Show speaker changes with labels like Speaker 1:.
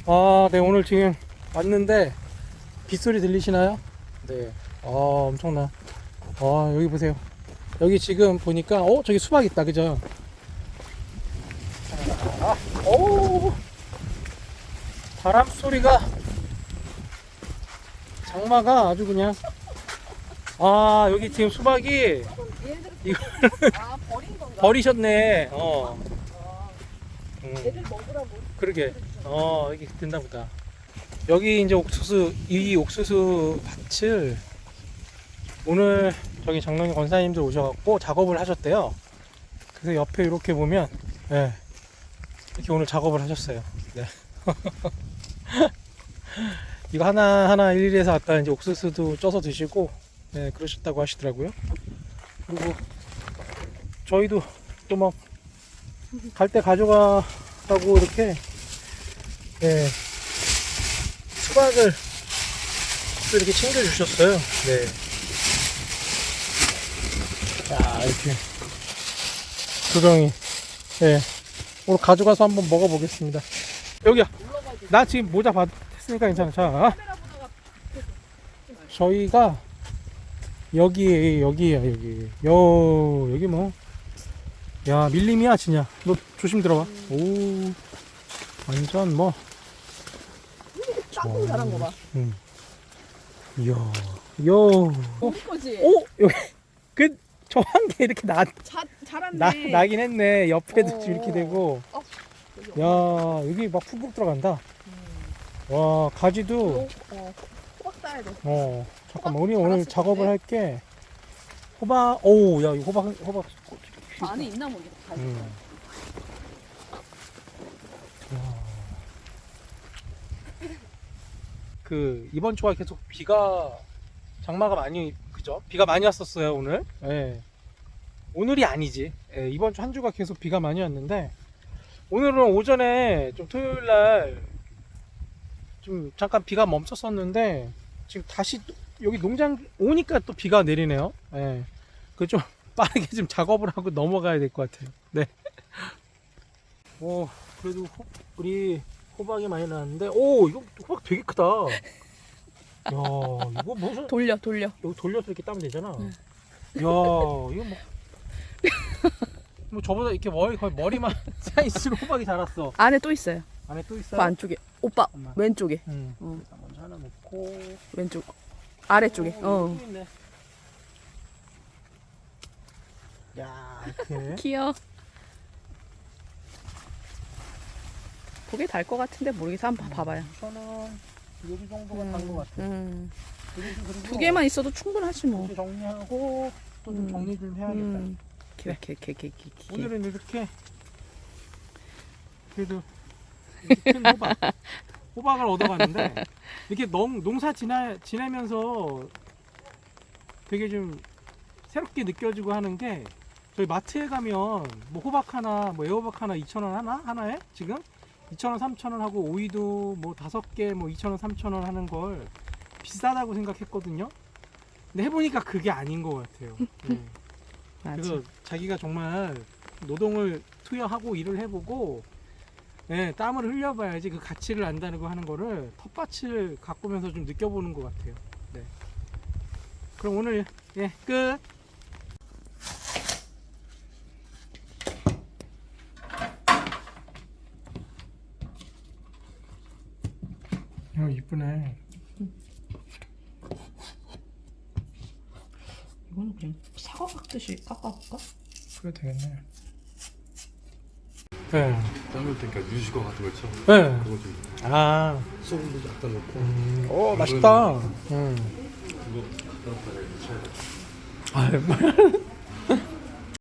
Speaker 1: 네, 오늘 지금 왔는데 빗소리 들리시나요? 네. 엄청나. 여기 보세요. 여기 지금 보니까 저기 수박 있다. 그죠? 오! 바람 소리가 장마가 아주 그냥 여기 지금 수박이 이거
Speaker 2: 버린 건가?
Speaker 1: 버리셨네.
Speaker 2: 얘들 먹으라고.
Speaker 1: 그러게. 여기 된다 보다. 여기 이제 이 옥수수 밭을 오늘 저기 장롱이 권사님들 오셔갖고 작업을 하셨대요. 그래서 옆에 이렇게 보면, 네, 이렇게 오늘 작업을 하셨어요. 네. 이거 하나하나 일일이 해서 아까 이제 옥수수도 쪄서 드시고, 네, 그러셨다고 하시더라고요. 그리고 저희도 또 막 갈 때 가져가라고 이렇게, 네, 수박을 또 이렇게 챙겨주셨어요. 네. 자, 이렇게 조정이, 네, 오늘 가져가서 한번 먹어보겠습니다. 여기야. 나 지금 모자 했으니까 괜찮아. 자, 저희가 여기에요. 여기 뭐, 야, 밀림이야 진짜. 너 조심 들어봐. 오, 완전 뭐
Speaker 2: 짝꿍 잘한 거 봐.
Speaker 1: 이야,
Speaker 2: 우리 거지?
Speaker 1: 여기 저 한 개 이렇게
Speaker 2: 잘한네.
Speaker 1: 나긴 했네. 옆에도
Speaker 2: 어.
Speaker 1: 이렇게 되고. 야, 여기 막 푹푹 들어간다. 와, 가지도.
Speaker 2: 호박 따야 돼.
Speaker 1: 잠깐만. 우리 오늘
Speaker 2: 갈았을
Speaker 1: 작업을
Speaker 2: 건데?
Speaker 1: 할게. 호박. 야, 이 호박.
Speaker 2: 안에 있나 모르겠다.
Speaker 1: 이번 주가 계속 장마가 많이, 그죠? 비가 많이 왔었어요, 오늘. 예. 오늘이 아니지. 예, 이번 주 한 주가 계속 비가 많이 왔는데, 오늘은 오전에 좀 토요일 날 좀 잠깐 비가 멈췄었는데, 지금 다시 여기 농장 오니까 또 비가 내리네요. 예. 좀 빠르게 좀 작업을 하고 넘어가야 될 것 같아요. 네. 그래도 우리 호박이 많이 나왔는데, 이거 호박 되게 크다. 야, 이거 무슨
Speaker 2: 돌려.
Speaker 1: 여기 돌려서 이렇게 따면 되잖아. 야, 이거 뭐 저보다 이렇게 거의 머리만 사이즈로 호박이 자랐어.
Speaker 2: 안에 또 있어요.
Speaker 1: 안에 또 있어요?
Speaker 2: 그 안쪽에. 오빠
Speaker 1: 잠깐만.
Speaker 2: 왼쪽에.
Speaker 1: 그래서 먼저 하나 놓고
Speaker 2: 왼쪽. 아래쪽에.
Speaker 1: 또 있네. 야, 이렇게.
Speaker 2: 귀여워. 그게 달 것 같은데 모르겠어. 한번 봐봐요.
Speaker 1: 우선은 여기 정도가 단 것 같아. 그리고
Speaker 2: 두 개만 있어도 충분하지 뭐.
Speaker 1: 이렇게 정리하고 또 좀 정리 좀 해야겠다. 오늘은 이렇게 그래도 이렇게 큰 호박을 얻어갔는데, 이렇게 농사 지내면서 되게 좀 새롭게 느껴지고 하는 게, 저희 마트에 가면 뭐 호박 하나, 뭐 애호박 하나 2,000원 하나에 지금 2,000원, 3,000원 하고, 오이도 뭐 5개 뭐 2,000원, 3,000원 하는 걸 비싸다고 생각했거든요. 근데 해보니까 그게 아닌 것 같아요. 네. 그래서 자기가 정말 노동을 투여하고 일을 해보고, 네, 땀을 흘려봐야지 그 가치를 안다는 거 하는 거를 텃밭을 가꾸면서 좀 느껴보는 것 같아요. 네. 그럼 오늘 끝. 이쁘네.
Speaker 2: 이거는 그냥 사과 깎듯이 깎아볼까?
Speaker 1: 그래 되겠네. 네.
Speaker 3: 땀을 때니까 유지거 같은 걸 쳐.
Speaker 1: 네.
Speaker 3: 그거 좀 소금도 약간 넣고.
Speaker 1: 오, 맛있다.
Speaker 3: 그거 갖다 쳐야 돼.